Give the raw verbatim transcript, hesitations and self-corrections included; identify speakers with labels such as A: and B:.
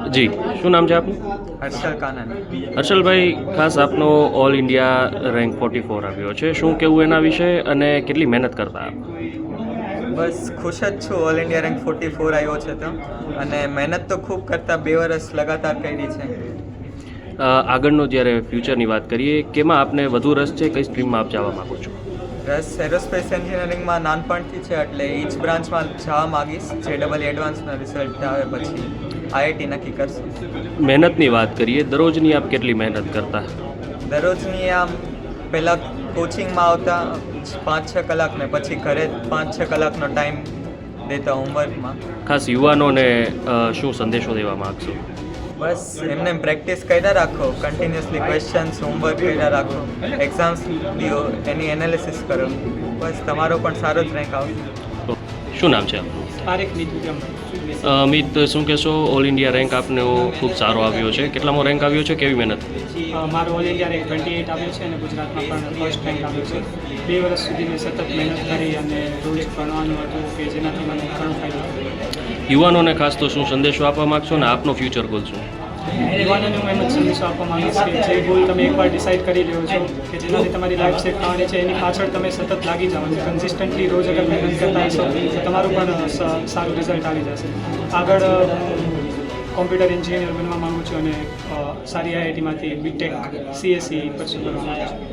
A: જી, શું નામ છે આપનું?
B: હર્ષલ કાનન.
A: હર્ષલભાઈ, ખાસ આપનો all India rank forty four આવ્યો છે, શું કહેવું એના વિશે અને કેટલી મહેનત કરતા આપ?
B: બસ ખુશ જ છું, all India rank forty four આવ્યો છે તો, અને મહેનત તો ખૂબ કરતાં બે વર્ષ લગાતાર કરી છે.
A: અ, આગળનો જ્યારે ફ્યુચરની વાત કરીએ, કેમાં આપને વધુ રસ છે, કઈ સ્ટ્રીમમાં આપ જવા માગો છો?
B: રસ એરોસ્પેસ એન્જિનિયરિંગમાં નાનપણથી છે, એટલે એ જ બ્રાન્ચમાં જવા માગીશ. જે ડબલ એડવાન્સના રિઝલ્ટ આવે પછી આઈઆઈટી નક્કી કરશું.
A: મહેનતની વાત કરીએ, દરરોજની આપ કેટલી મહેનત કરતા?
B: દરરોજની આમ પહેલાં કોચિંગમાં આવતા પાંચ છ કલાક ને પછી ઘરે પાંચ છ કલાકનો ટાઈમ દેતા હોમવર્કમાં.
A: ખાસ યુવાનોને અ, શું સંદેશો દેવા માગશો?
B: બસ એમને પ્રેક્ટિસ કર્યા રાખો, કન્ટિન્યુઅસલી ક્વેશ્ચન્સ હોમવર્ક કર્યા રાખો, એક્ઝામ્સ લ્યો, એની એનાલિસિસ કરો, બસ તમારો પણ સારો જ રેન્ક આવશે.
A: તો શું નામ છે આપનું?
C: તારીખ લીધું
A: અ, અમિત, શું કહેશો, ઓલ ઇન્ડિયા રેન્ક આપનો ખૂબ સારો આવ્યો છે, કેટલામો રેન્ક આવ્યો છે, કેવી મહેનત?
C: મારો all India rank twenty eight આવ્યો છે અને ગુજરાતમાં પણ ફર્સ્ટ રેન્ક આવ્યો છે. બે વર્ષ સુધી મેં સતત મહેનત કરી અને રોજ ભણવાનું હતું કે જેનાથી મને ઘણો ફાયદો થયો.
A: યુવાનોને ખાસ તો શું સંદેશો આપવા માગશો ને આપનો ફ્યુચર ગોલ શું?
C: યુવાનોને હું એમ જ સંદેશો આપવા માંગીશ કે જે ગોલ તમે એકવાર ડિસાઇડ કરી રહ્યો છો કે જેનાથી તમારી લાઈફ સેટ થવાની છે, એની પાછળ તમે સતત લાગી જાઓ અને કન્સિસ્ટન્ટલી રોજ અગર મહેનત કરતા હશો તો તમારું પણ સ- સારું રિઝલ્ટ આવી જશે. આગળ કોમ્પ્યુટર એન્જિનિયર બનવા માગું છું અને અ, સારી આઈઆઈટીમાંથી બીટેક સીએસસી પરસ્યુ કરવા માગું છું.